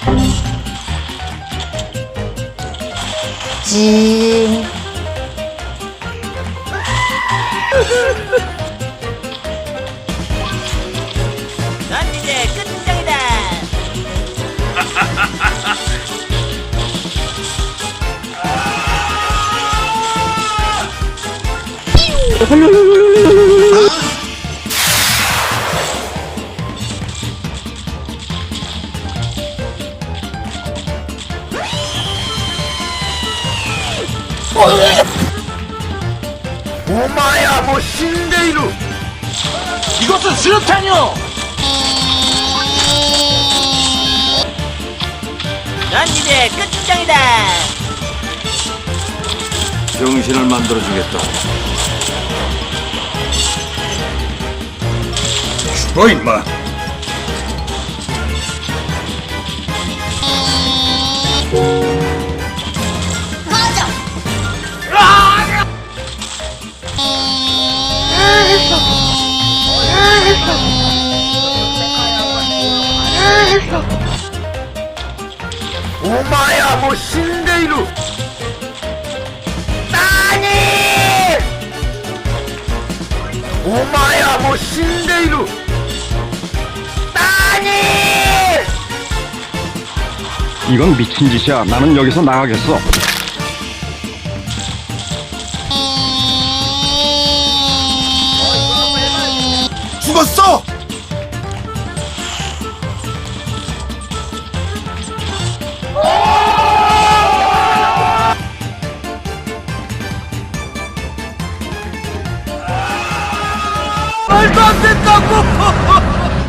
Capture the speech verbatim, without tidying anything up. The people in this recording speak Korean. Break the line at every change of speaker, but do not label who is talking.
찡.
넌 이제 끝장이다.
오마야 뭐 신데이루.
이것은 수류탄이요!
넌 이제 끝장이다.
병신을 만들어주겠다.
죽어 임마!
오마야 뭐 신데이루. 따니. 오마야 뭐 신데이루. 따니.
이건 미친 짓이야. 나는 여기서 나가겠어.
죽었어!